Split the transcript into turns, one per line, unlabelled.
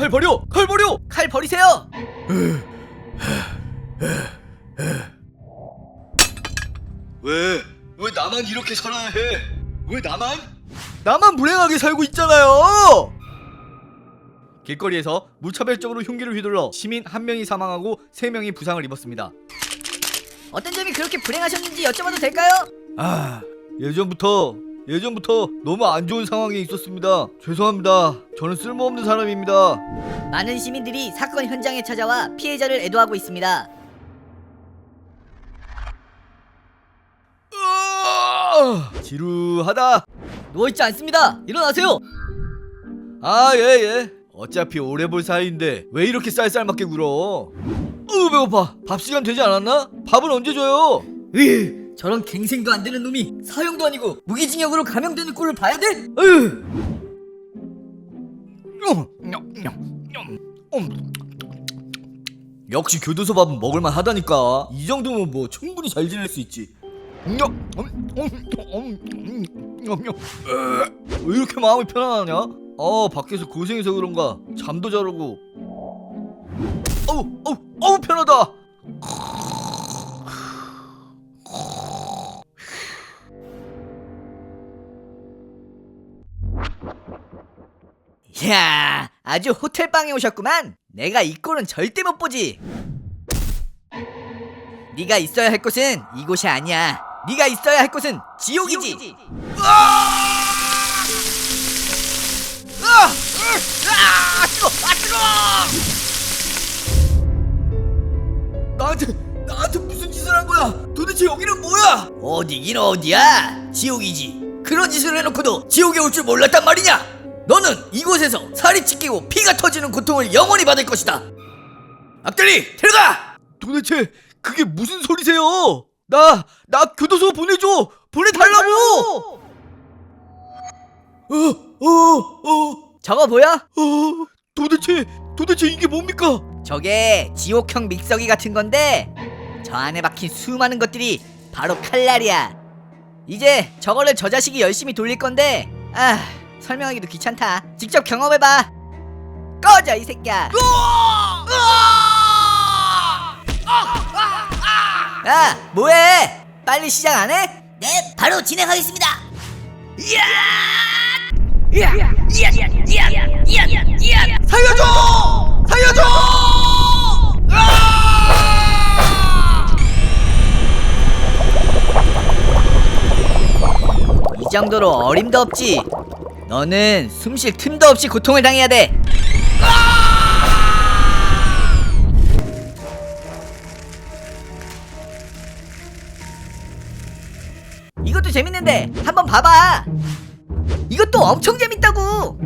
칼 버려! 칼 버려!
칼 버리세요.
왜 나만 이렇게 살아야 해? 왜 나만 불행하게 살고 있잖아요! 길거리에서 무차별적으로 흉기를 휘둘러 시민 1명이 사망하고 3명이 부상을 입었습니다.
어떤 점이 그렇게 불행하셨는지 여쭤봐도 될까요?
예전부터 너무 안 좋은 상황에 있었습니다. 죄송합니다. 저는 쓸모없는 사람입니다.
많은 시민들이 사건 현장에 찾아와 피해자를 애도하고 있습니다.
지루하다.
누워있지 않습니다. 일어나세요.
예. 어차피 오래 볼 사이인데 왜 이렇게 쌀쌀맞게 굴어? 배고파. 밥 시간 되지 않았나? 밥은 언제 줘요?
저런 갱생도 안 되는 놈이 사형도 아니고 무기징역으로 감형되는 꼴을 봐야 돼?
역시 교도소 밥은 먹을만 하다니까. 이 정도면 뭐 충분히 잘 지낼 수 있지. 왜 이렇게 마음이 편안하냐? 밖에서 고생해서 그런가 잠도 잘 오고. 편하다.
이야, 아주 호텔방에 오셨구만. 내가 이 꼴은 절대 못 보지. 네가 있어야 할 곳은 이곳이 아니야. 네가 있어야 할 곳은 지옥이지.
나한테 무슨 짓을 한 거야? 도대체 여기는 뭐야?
어디긴 어디야? 지옥이지. 그런 짓을 해놓고도 지옥에 올 줄 몰랐단 말이냐? 너는 이곳에서 살이 찢기고 피가 터지는 고통을 영원히 받을 것이다. 앞들이 들어가!
도대체 그게 무슨 소리세요? 나 교도소 보내달라고!
저거 보여?
도대체 이게 뭡니까?
저게 지옥형 믹서기 같은 건데 저 안에 박힌 수많은 것들이 바로 칼날이야. 이제 저거를 저 자식이 열심히 돌릴 건데 설명하기도 귀찮다. 직접 경험해봐. 꺼져 이 새끼야. 야 뭐해? 빨리 시작 안 해? 네 바로 진행하겠습니다.
살려줘!
이 정도로 어림도 없지. 너는 숨 쉴 틈도 없이 고통을 당해야 돼. 이것도 재밌는데 한번 봐봐. 이것도 엄청 재밌다고.